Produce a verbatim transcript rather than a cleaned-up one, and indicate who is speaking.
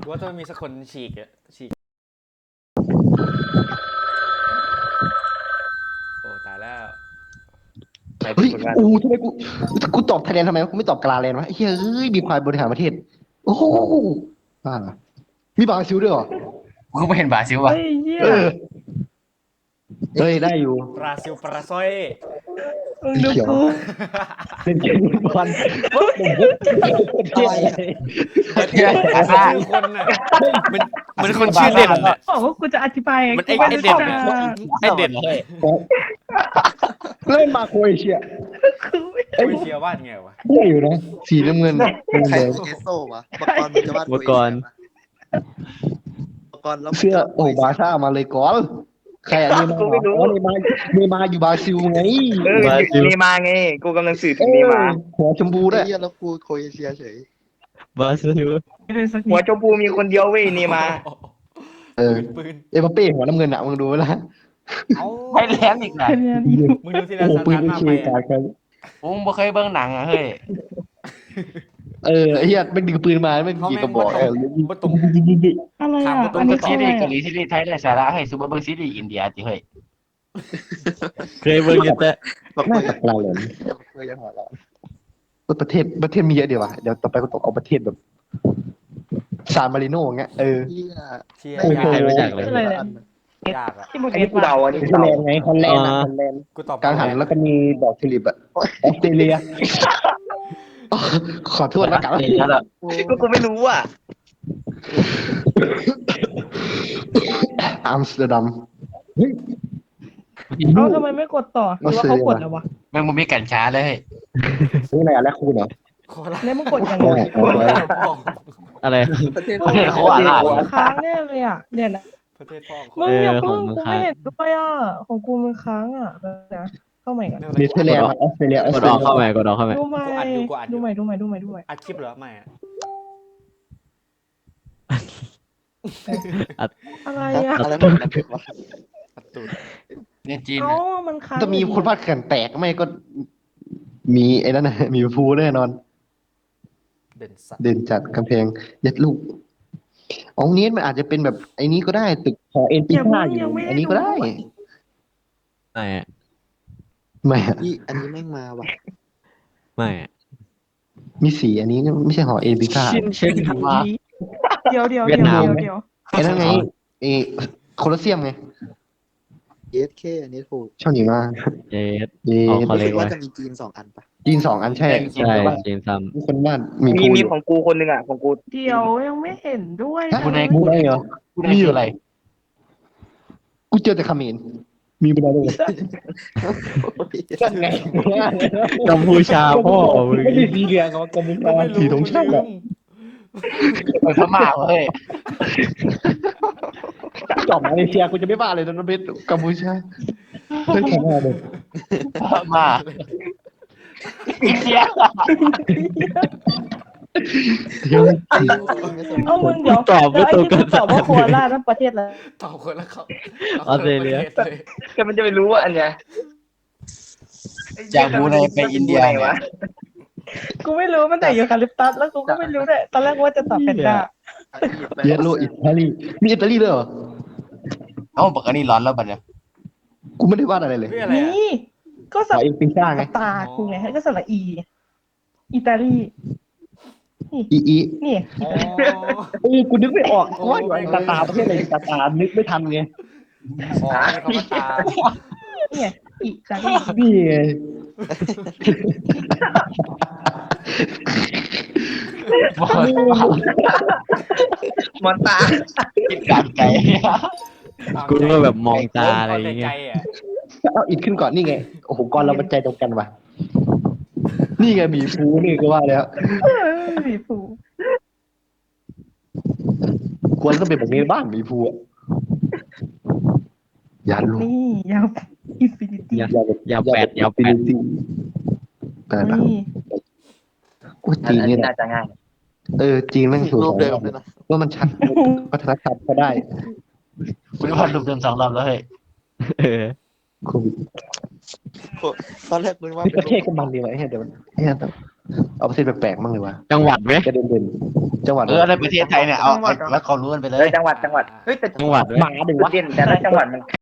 Speaker 1: ว่าต้องมีสักคนฉีกอะฉีกโอ้ตายแล้ว
Speaker 2: เฮ้ยอู้ทำไมกูกูตอบไทยแลนด์ทำไมกูไม่ตอบกาลาแลนด์วะเฮ้ยเอ้ยมีควายบริหารประเทศโอ้โหบ้าเหรอมีบราซิลด้วยเหรอ
Speaker 3: กูไม่เห็นบราซิลว่ะ
Speaker 4: เฮ้ยเหี้ย
Speaker 2: เออเฮ้ยได้อยู่
Speaker 1: บราซิลปราซอย
Speaker 4: มึงดูกู
Speaker 2: เล่นเกมบอลประเทศอะไร
Speaker 3: ประเทศอาซา
Speaker 1: ชื่อคนน่ะมันมันคนชื่อเด่นน่ะ
Speaker 4: บอกว่ากูจะอธิบาย
Speaker 1: มันไอ้
Speaker 4: กู
Speaker 1: ไอ้
Speaker 4: รู้
Speaker 1: เด่น
Speaker 4: จัก
Speaker 1: น่ะไอ้เด่น
Speaker 2: เล่นมาโครเอเชีย
Speaker 4: คือไม่
Speaker 1: โอ้ยเชียร์วาดไงวะ
Speaker 2: ได้อยู่นะสีน้ำเงิน
Speaker 5: ใคร
Speaker 2: แดง
Speaker 5: เอสโซ่วะปกรณ์มันจะวาด
Speaker 6: อุปกรณ์
Speaker 5: ปกรณ์แล้ว
Speaker 2: เสื้อโอ้บาร์ซ่ามาเลยก่อนใครอันนี้มาอ๋อเนมาเนมาอยู่บราซิลไง
Speaker 7: เออเนมาไงกูกำลังสื่อถึงเนมา
Speaker 2: หัวชมพูด้วย
Speaker 5: เฮียแล้วกูโครเอเชียเฉย
Speaker 6: บราซิล
Speaker 4: ไม่ได้สัก
Speaker 7: หัวชมพูมีคนเดียวเว้ยเนมา
Speaker 2: เออ
Speaker 1: ปืน
Speaker 2: เอ็มบัปเป้หัวน้ำเงินอะมึงดูไว้ละ
Speaker 1: เอ้า
Speaker 3: ไทยแลนด์อีกนะ
Speaker 4: คะแนนอีก
Speaker 1: มึงดูที่
Speaker 2: โอ้
Speaker 1: ร้าน
Speaker 2: โห
Speaker 1: ซาน
Speaker 2: ปืน
Speaker 1: ตา
Speaker 2: ไม่
Speaker 1: มา
Speaker 2: เค
Speaker 1: ไป
Speaker 2: ย
Speaker 1: อะ
Speaker 2: กากัน
Speaker 3: กูบ่เคยเบิ่งหนังอ่ะเฮ้ย
Speaker 2: เออไอ้เหี้ยไม่ดึงปืนมาไม่ยิงกระบอกเออ
Speaker 1: บ่ตรง
Speaker 4: อะไร
Speaker 1: ถาม
Speaker 4: อ่ะ
Speaker 1: กูตร
Speaker 4: อั
Speaker 1: ง
Speaker 4: น
Speaker 3: มึ
Speaker 4: นี้
Speaker 3: ง
Speaker 4: คือ
Speaker 3: ซี
Speaker 4: อะไร
Speaker 3: รีส์เกาหลี
Speaker 4: อ่ะ
Speaker 3: ซีรีส์ไทยได้สาระเฮ้ยซูเปอร์เบิ่งซีรีส์อินเดียจิเฮ้ย
Speaker 6: เคยเบิ่งอยู่แต่
Speaker 5: แบบ
Speaker 2: น่า
Speaker 5: เพื่
Speaker 2: จะกลายเลย
Speaker 5: อจะหัวเราะ
Speaker 2: ประเทศประเทศมีเยอะดีว่ะเดี๋ยวต่อไปก็ต้องเอาประเทศแบบซานมาริโน่อย่างเงี้ยเออ
Speaker 5: เฮีย
Speaker 1: เชียร์
Speaker 2: โอ้โห
Speaker 1: ยาก
Speaker 6: ใครรู้จักเลย
Speaker 4: อะไรเนี่ย
Speaker 1: ยากอะ
Speaker 4: ที่มึง
Speaker 7: อันนี้กูเดาอันนี้กู
Speaker 2: ฮอล
Speaker 7: เดา
Speaker 2: แลนด์ไงฮอลแลนด์อะฮอลแลนด์
Speaker 1: กูตอบ
Speaker 2: กลางหันแล้วก็มีดอกทิวลิปอะออสเตรเลียขอโทษแล้วกัน
Speaker 3: เดี๋ยวละ
Speaker 7: ก็กูไม่รู้อ่ะ
Speaker 2: อัมสเตอร์ดัม
Speaker 4: เอ้าทำไมไม่กดต่อหรือว่าเขากดแล้ววะ
Speaker 3: แม่งมันมีกัญชาเลยเฮ้ย
Speaker 2: นี่อะไรอะแลคคูนเหรอ
Speaker 1: โคราช
Speaker 4: แล้วมึงกดยังไง
Speaker 2: โอ้โห
Speaker 6: อะไร
Speaker 5: ประเทศ
Speaker 3: ประเทศเขาอ่ะล่ะ
Speaker 4: มันค้างแน่เลยอ่ะเดี๋ยวนะ
Speaker 1: ประเทศพ่อ
Speaker 4: มึงอย่าเพิ่ง
Speaker 6: เออของมึง
Speaker 4: กู
Speaker 6: ค้าง
Speaker 4: ไม่เห็นด้วยอ่ะของกูมันค้างอ่ะเดี๋ยวนะเข้าใหม่ก่อน
Speaker 2: เนเธอร์แลนด์ออสเตรเลียออก ส
Speaker 6: ด
Speaker 2: เตร
Speaker 6: ออก
Speaker 2: เลีย
Speaker 6: เข้าใหม่กดออกเข้าใหม่
Speaker 4: ดูใหม่ดูใหม่ดูใหม่ดูใหม่ดูใหม่
Speaker 1: อัดคลิปเหรอไม่อะ
Speaker 4: อะไรอ่ะ
Speaker 5: อะไรหมดนะวะ
Speaker 1: อัดตูด
Speaker 3: เนี่ยจีน
Speaker 4: เอ้ามันค้าง
Speaker 2: จะมีคนพาดเขื่อนแตกไม่ก็ มีไอ้นั่นนะมีภูแน่นอน
Speaker 1: เด่นสัตว์
Speaker 2: เด่นจัดกำแพงยัดลูกอ๋อนี้มันอาจจะเป็นแบบไอ้นี้ก็ได้ตึกหอเอ็นปีห้าอยู่อันนี้ก็ได้
Speaker 6: ไม่อะ
Speaker 2: ไม่อะ
Speaker 5: นี่อันนี้แม่งมาว่ะ
Speaker 6: ไม่อะ
Speaker 2: มีสีอันนี้ไม่ใช่หอเอ็นปีห้า
Speaker 6: ชินเช่นมา
Speaker 4: เดี๋ยวเดี๋ยว
Speaker 6: เวี
Speaker 4: เดี๋
Speaker 6: ย
Speaker 4: ยว
Speaker 6: ดนาม
Speaker 4: เดี๋ยวเดี๋ยว
Speaker 2: ไอ้นั่นไงไอ้โคลอสเซียมไง
Speaker 5: เอสเคอันนี้ถูก
Speaker 2: ชอบหนีมา
Speaker 6: เจ็ด
Speaker 2: เย่
Speaker 6: อ๋อ
Speaker 5: รู้
Speaker 6: เล็
Speaker 5: สึ
Speaker 6: ก
Speaker 5: กว่า
Speaker 6: ไว้
Speaker 5: จะมีจีนสองอันปะ
Speaker 2: จีนสองอันใช่
Speaker 6: ใช่จีนซ้
Speaker 2: มีคนบ้านมี
Speaker 7: มี
Speaker 2: ภู
Speaker 7: มี
Speaker 2: อยู่
Speaker 7: ของกูคนหนึ่งอ่ะของกู
Speaker 4: เดี๋ยวยังไม่เห็นด้วย
Speaker 3: กูใน
Speaker 2: มี
Speaker 3: กู
Speaker 2: ได้เหรอ
Speaker 3: กูในคืออะไร
Speaker 2: กูเจอแต่เขมรมีไม่ได้เลยนั่นไง
Speaker 6: ำกัมพูชาพ่อมึง
Speaker 2: ไม่ได้สีเหลืองเหรอกัมพูชาสีธงชาติอะ
Speaker 3: เปิดพม่าเฮ้ย
Speaker 2: จอบมาเลเซียกูจะไม่บ้าเลยนะเบสกัมพูชาเล่นแข่งอะไรเลย
Speaker 3: พม่าอีเสีย
Speaker 2: เดี๋ยว
Speaker 4: เอ้ามึงเดี๋ยว
Speaker 6: ตอบไม่
Speaker 4: แล้วไอ้
Speaker 6: ตรง
Speaker 4: ที่
Speaker 6: กั
Speaker 4: กู
Speaker 6: น
Speaker 4: ตอบว่าโคราชนั่นประเทศอะไร
Speaker 1: ตอบคนละเขา
Speaker 6: ออสเตรเลีย
Speaker 1: อาคนละประทศเลย
Speaker 7: แต่มันจะไปรู้ว่าอันเนี้ย
Speaker 3: จากบูไนไปอินเดียเนี่
Speaker 7: วะ
Speaker 3: ย
Speaker 4: กูไม่รู้มันแต่ยูคาลิปตัสแล้วกูก็ไม่รู้เลยตอนแรกว่าจะตอบแพนด้า
Speaker 2: เยลโลอิตาลีมีอิตาลีด้วยเหรอ
Speaker 3: เอ้าบอกอันนี้ร้อนแล้วบัดเนี่ย
Speaker 2: กูไม่ได้วาดอะไรเลย
Speaker 1: เพื่ออะไรอะ
Speaker 4: นี่ก็
Speaker 2: ข
Speaker 4: สั
Speaker 2: อบ เอ็นปีซ่าไง
Speaker 4: ตากูไงก็สระอี อิตาลี
Speaker 2: อีอี
Speaker 4: นี่
Speaker 1: อ๋อ
Speaker 2: เออกูนึกไม่ออกว่าอยู่กาตาร์ประเทศอะไรกาตาร์นึกไม่ทันไง
Speaker 1: อ๋อนี่เขามาตาม
Speaker 4: เนี่ยอิตาลี
Speaker 2: นี่ไง
Speaker 3: บอก
Speaker 7: มอนตา
Speaker 3: กินกากไก่
Speaker 6: กูก็แบบมองตาอะไรอย่างเงี้ย
Speaker 1: ใจๆอะ
Speaker 2: เอาอิดขึ้นก่อนนี่ไงโอ้โหก่อนเรามันใจตรงกันว่ะนี่ไงบีฟูนี่ก็ว่าแล้ว
Speaker 4: เออสีผู
Speaker 2: ควรต้องเป็นแบบนี้บ้านบีฟูอ่ะอย่าลูก
Speaker 4: นี่ยาวอินฟินิตี้
Speaker 6: อย่า
Speaker 2: อย่าแบบ
Speaker 6: อย่าแปดอย่าแปด
Speaker 2: แปดนะ
Speaker 4: นี่
Speaker 2: กูจีนนี่แหละ
Speaker 7: น่าจะง่าย
Speaker 2: เออจีนแม่งสวย
Speaker 5: รูปเดิมเลยนะ
Speaker 2: ว่ามันชัดวัฒนธรรมก็ได้
Speaker 3: กูได้วาดรูปเดิมสองรอบแล้วเฮ้ย
Speaker 6: เออ
Speaker 2: โควิด
Speaker 5: ตอนแรกมึงว่า
Speaker 2: ประเทศก็มันดีวะไอ้เหี้ยเดี๋ยวเหี้ยต้องเอาประเทศแปลกๆมั่งเลยวะ
Speaker 6: จังหวัดไหม
Speaker 2: จะเด่นๆจังหวัด
Speaker 3: เออในประเทศไทยเนี่ยเอาแล้วเขารู้กันไปเล
Speaker 7: เอย อจังหวัดจังหวัดเฮ้ยแต่
Speaker 6: จังหวัดไหม
Speaker 2: หมาดึง
Speaker 7: จุด
Speaker 2: วะ
Speaker 7: เด่นแต่ละจังหวัดมัน